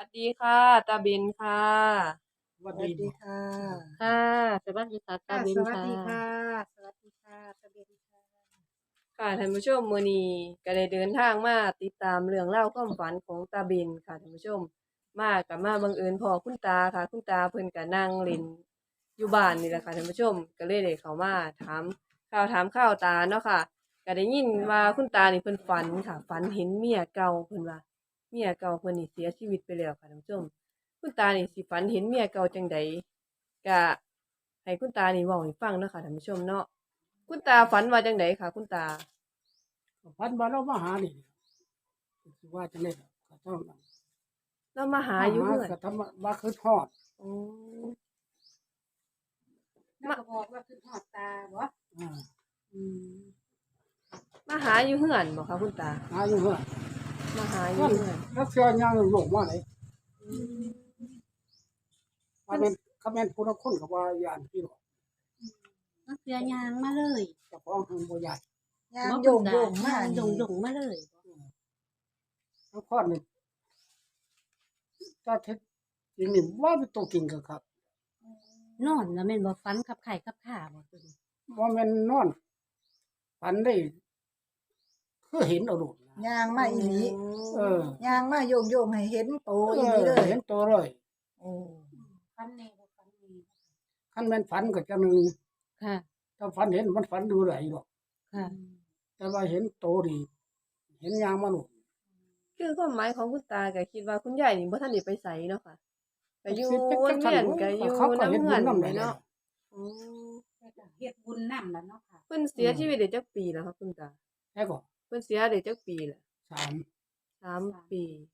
ดีค่ะตาเบนค่ะสวัสวัสสดีบ่ดีค่ะค่ะสวัสดีค่ะตาค่ะเบนค่ะสวัสดีค่ะสวัสดีค่ะตะเบนค่ะค่ะท่านผู้ชมมื้อนี้ก็ได้เดินทางมาติดตามเรื่องราวความฝันของตาเบนค่ะท่านผู้ชมมาบังเอิญพ้อคุณตาค่ะคุณตาเพิ่นก็นั่งเล่นอยู่บ้านนี่แหละค่ะท่านผู้ชมก็เลยได้เข้ามาถามข่าวตาเนาะค่ะก็ได้ยินว่าคุณตานี่เพิ่นฝันค่ะฝันเห็นเมียเก่าเพิ่นว่าเมียเก่าเพิ่นนี่เสียชีวิตไปแล้วค่ะท่านผู้ชมคุณตานี่สิฝันเห็นเมียเก่าจังใดก็ให้คุณตานี่เว้าให้ฟังเนาะค่ะท่านผู้ชมเนาะคุณตาฝันว่าจังใดค่ะคุณตาพันบาเรามาหานี่สิว่าจะเล่นก็เท่านั้นเรามาหามาหาอยู่เฮือนก็ทำว่าคือทอดอ๋อแล้วก็บอกว่าคือทอดตาบ่อ่าอืมมาหาอยู่เฮือนบ่คะคุณตาหาอยู่เฮือนมาหาอยู่นั่นเฮือนรักเสียยังหลงมาไหนอืมว่าเป็นคำแม่นผู้ละคนก็ว่าย่านพี่หรอกก็เสือยางมาเลยเจ้าของทางบ่ใหญ่ยางบ่โยงโยงมายางนี่โยงมาเลยทั้งพอดนี่ถ้าเท็จจริงนี่ว่าเป็นตัวจริงก็ครับนอนแล้วแม่นบ่ฟันกับไข่กับขาบ่ตัวนี้ว่าแม่นนอนฝันได้คือเห็นเอาโดดนะยางมาอีหลีเออยางมาโยงโยงให้เห็นโตเออีหลีอเลยเห็นตัวเลยโอ้ฟันแน่บ่ฟันแน่คันแม่นฝันก็จังหนึงค่ะถ้าฝันเห็นมันฝันดูไหลหรอกค่ะแต่ว่าเห็นโตดีเห็นยางมันหนุนคือความหมายของคุณตาก็คิดว่าคุณยายนี่บ่ทันได้ไปไสเนาะค่ะก็อยู่เป็นวนจัเวียงนก็อยู่เขาก็นำเฮ็ดเฮืบุอญนนำนี่ได้เนาะอ๋อเฮ็ดบุญนำล่ะเนาะค่ะเพิ่นเสียชีวิตได้จักปีแล้วคะคุณตาแค่ก็เพิ่นเสียได้จักปีแล้วสาม 3 ปี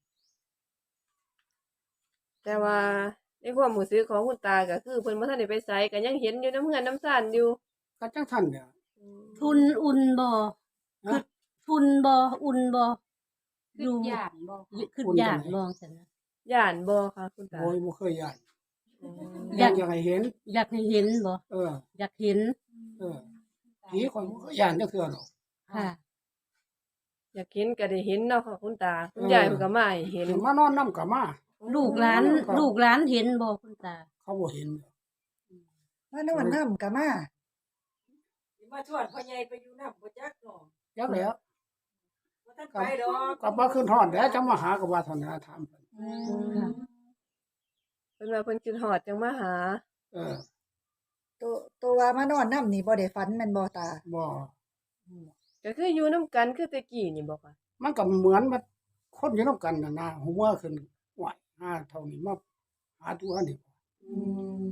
แต่ว่าในความรู้สึกของคุณตาก็คือเพิ่นบ่ทันได้ไปไสก็ยังเห็นอยู่นำเฮือนนำซ่านอยู่ก็จังท่านเนี่ยอืมทุนอุ่นบ่ฮะทุนบ่อุ่นบ่คือย้านบ่คืออุ่นย่านจังไหนบ่ซั่นนะย้านบ่คะคุณตาโอ้ยบ่เคยย่านอ๋ออยากให้เห็นอยากให้เห็นบ่เอออยากเห็นเออผีคนบ่เคยย่านจักเทื่อหรอกค่ะอยากเห็นก็ได้เห็นเนาะค่ะคุณตาคุณยายเพิ่นก็มาให้เห็นเห็นมานอนนำก็มาลูกหลานครับลูกหลานเห็นบ่คุณตาเขาบ่เห็นมานอนน้ำกะมามาชวนพ่อใหญ่ไปอยู่นำบ่จักน้อจักแล้วบ่ทันไปดอกก็บ่ขึ้นฮอดแล้วจะมาหาก็ว่าเท่านั้นถามเพิ่นค่ะเพิ่นว่าเพิ่นคิดฮอดจังมาหาเออตัวว่ามานอนน้ำนี่บ่ได้ฝันแม่นบ่ตาบ่ก็คืออยู่นํกันคือแต่กี้นี่บ่ค่ะมันก็เหมือนมันคนอยู่นำกันน่ะนะหัวขึ้นไหวหาเท่านี้มาหาตัวนี่อืม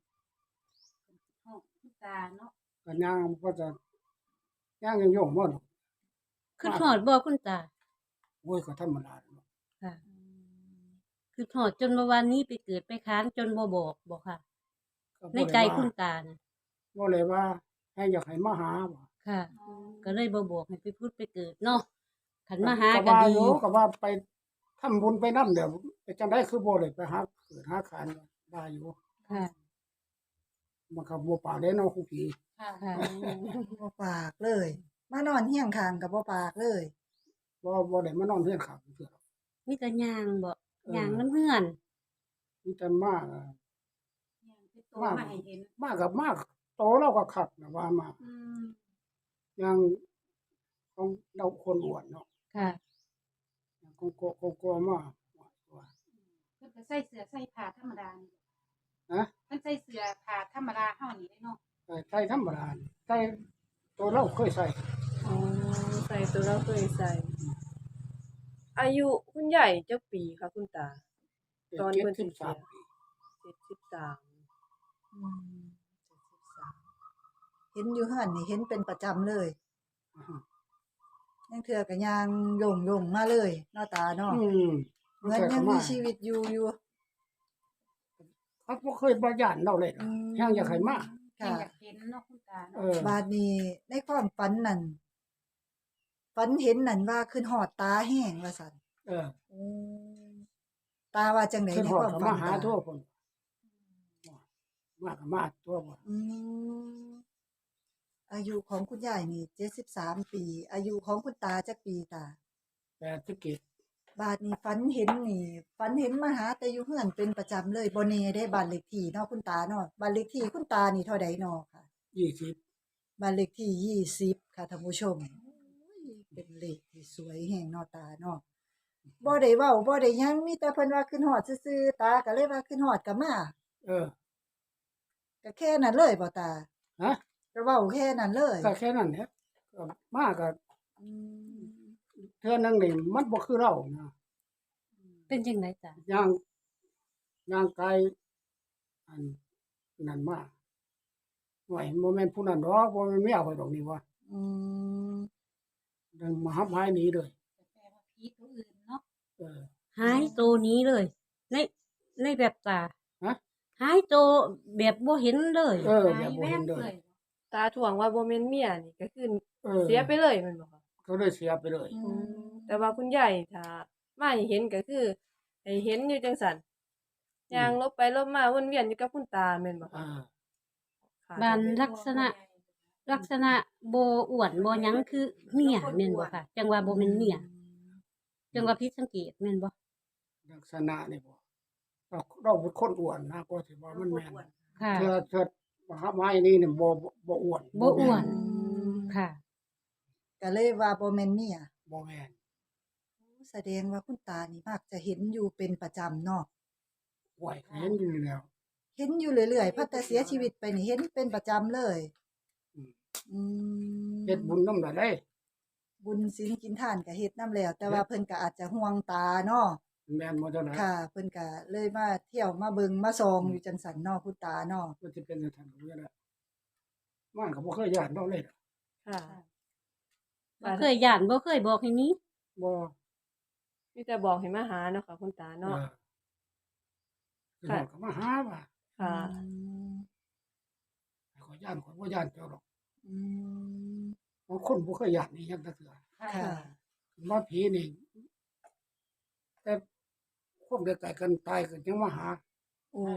คุณตาเนาะก็ย่างก็จะย่างยังโยงบ่ดอกคือทอดบ่คุณตาโอ้ยก็ธรรมดาเนาะค่ะ คือทอดจนเมื่อวานนี้ไปเกิดไปค้างจนบ่บอกบ่ค่ะก็บ่ในได้ใจว่าคุณตานะบ่เลยว่าให้อยากให้มาหาบ่ค่ะ ก็เลยบ่บอกให้ไปพูดไปเกิดเนาะขันมาหาก็ก็ว่าดีอยู่ก็ว่าไปทำบุญไปนำเดี๋ยวไปจังได๋คือบ่ได้ไปหาเกิดหาคานว่าอยู่ค่ะมันก็บ่ปากได้เนาะครูผีค่ะบ่ปากเลย มานอนเฮียงข้างกับบ่ปากเลยบ่ได้มานอนเรือนข้างเทื่อมีแต่ยางบ่เออยางน้ำเฮือนมีแต่มาโตมาให้เห็นมากับมากโตเราก็คักนะว่ามาอย่างของเราคนอ้วนเนาะค่ะของโกมาว่าเพิ่นก็ใส่เสื้อใส่ผ้าธรรมดานี่ฮะเพิ่นใส่เสื้อผ้าธรรมดาเฮานี่เด้เนาะใส่ธรรมดาใส่ตัวเราเคยใส่อ๋อใส่ตัวเราเคยใส่ อายุคุณยายจักปีคะคุณตา ตอนเพิ่นสิเสีย 73ปี 73 อืมเห็นอยู่เฮือนนี่เห็นเป็นประจำเลยอ่าฮะยังเทื่อก็ยางโยงมาเลยเนาะตาเนาะ เหมือนยังมีชีวิตอยู่เขาบ่เคยบ่ย่านเราเลยนะแฮงอยากให้มายังค่ะอยากเห็นเนาะคุณตาเอเนาะอบาดนี้ในความฝันนั่นฝันเห็นนั่นว่าขึ้นหอดตาแห้งว่าซั่นเออตาว่าจังได๋คือในฮอคดวามก็ฝัมาน หาตาทั่วพุ่นมาก็มาทั่วบ่อืมอายุของคุณยายนี่73ปี อายุของคุณตาจักปีตาแต่ที่เกิดบาดนี้ฝันเห็นนี่ฝันเห็นมาหาแต่อยู่เฮือนเป็นประจำเลยบ่แน่ได้บ้านเลขที่เนาะคุณตาเนาะบ้านเลขที่คุณตานี่เท่าใดเนาะค่ะ 20 บ้านเลขที่20ค่ะท่านผู้ชมเป็นเลขที่สวยแฮงเนาะตาเนาะบ่ได้เว้าบ่ได้หยังมีแต่เพิ่นว่าขึ้นฮอดซื่อๆตาก็เลยว่าขึ้นฮอดก็มาเออก็แค่นั้นเลยบ่ตาฮะก็เว้าแค่นั้นเลยก็แค่นั้นแหละก็มาก็อืมเทื่อนึงนี่มันบ่คือเรานะเป็นจังไดจ้ะย่างกายอันนั้นมาไหวบ่แม่นผู้นั้นดอกบ่แม่นเมียข่อยดอกนี่ว่าอืมดังมาหับหายหนีเลยแปลว่าผีตัวอื่นเนาะเออหายโตวนี้เลย ในแบบตาฮะหายโตวแบบบ่เห็นเลยเออหาแบบยบ่แวเห็บนเลเลย ยตาถ่วงว่าบ่แม่นเมียนี่ก็คือเออเสียไปเลยแม่นบ่คะก็เลยเสียไปเลยอืมแต่ว่าคุณยายถ้ามาให้เห็นก็คือให้เห็นอยู่จังซั่นย่างลบไปลบมาวนเวียนอยู่กับคุณตาแม่นบ่คะอ่าค่ะบ้านลักษณะบ่อ้วนบ่หยังคือเมียแม่นบ่ค่ะ จังว่าบ่แม่นเมียจังว่าผิดสังเกตแม่นบ่ลักษณะนี่บ่เราเป็นคนอ้วนนะก็สิว่ามันแม่นค่ะเทื่อมาหับหายนี่นี่บ่อ้วนบ่อ้วนแม่ค่ะก็เลยว่าบ่แม่นเมียบ่แม่นแสดงว่าคุณตานี่มักจะเห็นอยู่เป็นประจำเนาะไหวเห็นอยู่แล้วเห็นอยู่เรื่อยๆพัดแต่เสียชีวิตไปนี่เห็นเป็นประจำเลยอืมอืมเฮ็ดบุญนำได้บุญศีลกินทานก็เฮ็ดนำแล้ว แต่ว่าเพิ่นก็อาจจะห่วงตาเนาะแม่นบ่เท่านั้นค่ะ เพิ่นก็เลยมาเที่ยวมาเบิ่งมาส่องอยู่จังซั่นเนาะคุณตาเนาะมันสิเป็นจังซั่นก็แล้วมันก็บ่เคยย้านเราเลยค่ะบ่เคยย่านบ่เคยบอกให้หนี้บ่มีแต่บอกให้มาหาเนาะค่ะคุณตาเอเนาะอคือเราก็มาหาว่าค่ะขอยย้านข่อยบ่ย้านเจ้าดอกอืมบางคนบ่เคยย้านนี่ยังจักเทื่อค่ะมาผีนี่แต่คนใกล้ๆกันตายก็ยังมาหาโอ้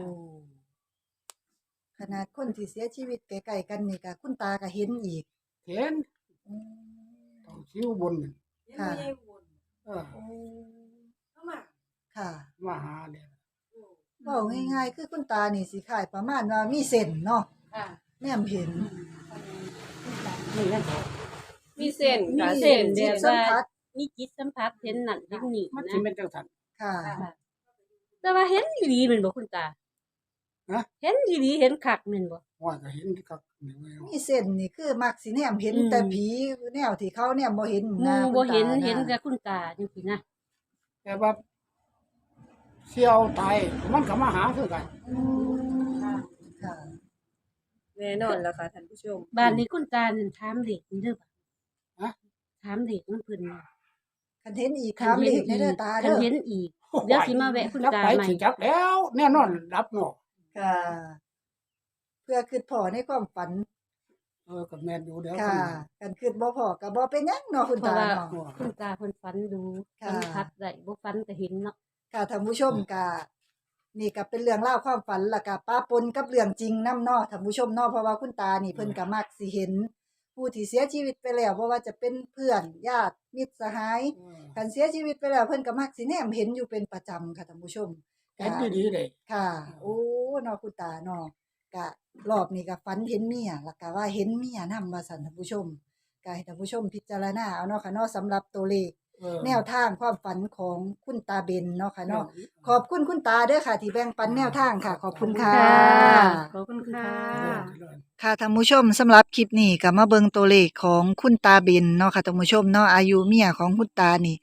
ขนาดคนที่เสียชีวิตใกล้ๆกันนี่ก็คุณตาก็เห็นอีกเห็นอืมต้องชิวบนนั่นยังไม่ได้วนเออโอ้เข้ามาค่ะมาหาเนี่ยเว้าง่ายๆคือคุณตานี่สิคล้ายประมาณว่ามีเส้นเนาะค่ะแนมเห็นนี่แหละมีเส้นมีค่ะเส้นจิแบตบสัมว่าผัสมีจิตสัมผัสเห็นนั่นเห็นนี่มันนะสิเป็นจังซั่นค่ะแต่ว่าเห็นอีหลีแม่นบ่คุณตาฮะเห็นอีหลีเห็นคักแม่นบ่ว่าก็เห็นคักนี่แหละมีเส้นนี่คือมักสิแนมเห็นอืมแต่ผีแนวที่เขาแนมบ่เห็นหนะมู่คุณบ่เห็นตาะเห็นแต่คุณตาจังซี่นะแต่ว่าเสี่ยวตายมันก็มาหาคือกันอืมค่ะแน่นอนแล้วค่ะท่านผู้ชมบ้านนี้คุณตานั่นถามเด็กนี่เด้อบ่ฮะถามเด็กมันเพิ่นว่าคันเห็นอีกถามเลขในเด้อตาคัเด้นอเห็นอีก เดี๋ยวสิมาแวะคุณจักตาไปใหม่สิจักแล้ว แน่นอนรับเนาะค่ะ เพื่อคิดพอในความฝันก็แม่นอยู่เดี๋ยวค่ะกันคิดบ่พอก็บ่เป็นหยังเนาะคุณเพราะตาว่าเนาะคุณตาเพิ่นฝันดูค่ะสัมผัสได้บ่ฝันก็เห็นเนาะค่ะท่านผู้ชมก็นี่ก็เป็นเรื่องเล่าวความฝันแล้วก็ป้าปนกับเรื่องจริงนํเนาะท่านผู้ชมเนาะเพราะว่าคุณตานี่เพิ่นก็มักสิเห็น ผู้ที่เสียชีวิตไปแล้วบ่ว่าจะเป็นเพื่อนญาติมิตรสหายกันเสียชีวิตไปแล้วเพิ่นก็มักสิแนมเห็นอยู่เป็นประจำค่ะท่านผู้ชมเห็นดีๆเลยค่ะ โอ้เนาะคุณตาเนาะก็รอบนี้ก็ฝันเห็นเมียแล้วก็ว่าเห็นเมียนำว่าซั่นท่านผู้ชมก็ให้ท่านผู้ชมพิจารณาเอาเนาะค่ะเนาะสำหรับตัวเลข แนวทางความฝันของคุณตาเบนเนาะค่ะเนาะขอบคุณคุณตาเด้อค่ะ ที่แบ่งปันแนวทางค่ะ ขอบคุณค่ะขอบคุณค่ะค่ะท่านผู้ชมสำหรับคลิปนี้ก็มาเบิ่งตัวเลขของคุณตาเบนเนาะค่ะท่านผู้ชมเนาะอายุเมียของคุณตานี่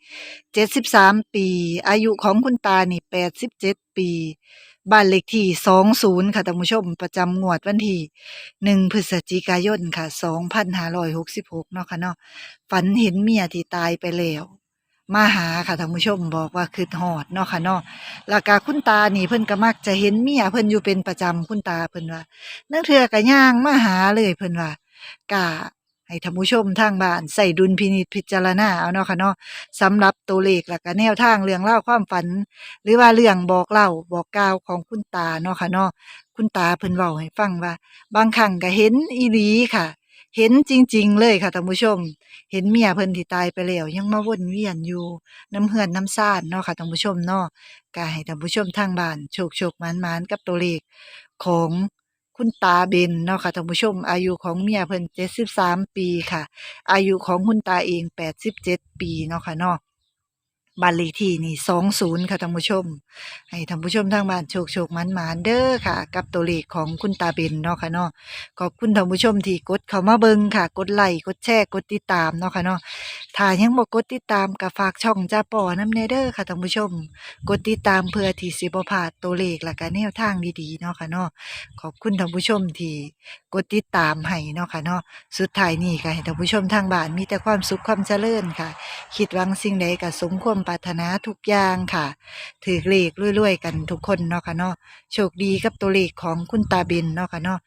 73ปีอายุของคุณตานี่87ปีบ้านเลขที่20ค่ะท่านผู้ชมประจำงวดวันที่1พฤศจิกายนค่ะ2566เนาะค่ะเนาะฝันเห็นเมียที่ตายไปแล้วมาหาค่ะท่านผู้ชมบอกว่าคิดฮอดเนาะค่ะเนาะแล้วก็คุณตานี่เพิ่นก็มักจะเห็นเมียเพิ่นอยู่เป็นประจำคุณตาเพิ่นว่า นักเทื่อก็ย่างมาหาเลยเพิ่นว่ากะให้ท่านผู้ชมทางบ้านใส่ดุลพินิจพิจารณาเอาเนาะค่ะเนาะสำหรับตัวเลขแล้วก็แนวทางเรื่องเล่าวความฝัน หรือว่าเรื่องบอกเล่าบอกกล่าวของคุณตาเนาะค่ะเนาะคุณตาเพิ่นเว้าให้ฟังว่า บางครั้งก็เห็นอีหลีค่ะเห็นจริงๆเลยค่ะท่านผู้ชม เห็นเมียเพิ่นที่ตายไปแล้วยังมาวนเวียนอยู่น้ำเฮือนน้ำซ่านเนาะค่ะท่านผู้ชมเนาะก็ให้ท่านผู้ชมทางบ้านโชคๆหมานๆกับตัวเลขของคุณตาเบนเนาะค่ะท่านผู้ชมอายุของเมียเพิ่น73ปีค่ะอายุของคุณตาเอง87ปีเนาะค่ะเนาะ บ้านเลขที่นี่20ค่ะท่านผู้ชมให้ท่านผู้ชมทางบ้านโชคๆหมานๆเด้อค่ะกับตัวเลขของคุณตาเบนเนาะค่ะเนาะขอบคุณท่านผู้ชมที่กดเข้ามาเบิ่งค่ะกดไลค์กดแชร์กดติดตามเนาะค่ะเนาะถ้ายังบ่กดติดตามก็ฝากช่องจ้าป่อนำแน่เด้อค่ะท่านผู้ชมกดติดตามเพื่อที่สิบ่พลาดตัวเลขและก็แนวทางดีๆเนาะค่ะเนาะขอบคุณท่านผู้ชมที่กดติดตามให้เนาะค่ะเนาะสุดท้ายนี้ก็ให้ท่านผู้ชมทางบ้านมีแต่ความสุขความเจริญค่ะ คิดหวังสิ่งใดก็สมความปรารถนาทุกอย่างค่ะถือเลขรวยๆกันทุกคนเนาะค่ะเนาะโชคดีกับตัวเลขของคุณตาเบนเนาะค่ะเนาะ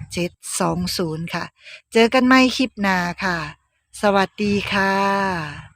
738720ค่ะ เจอกันใหม่คลิปหน้าค่ะ สวัสดีค่ะ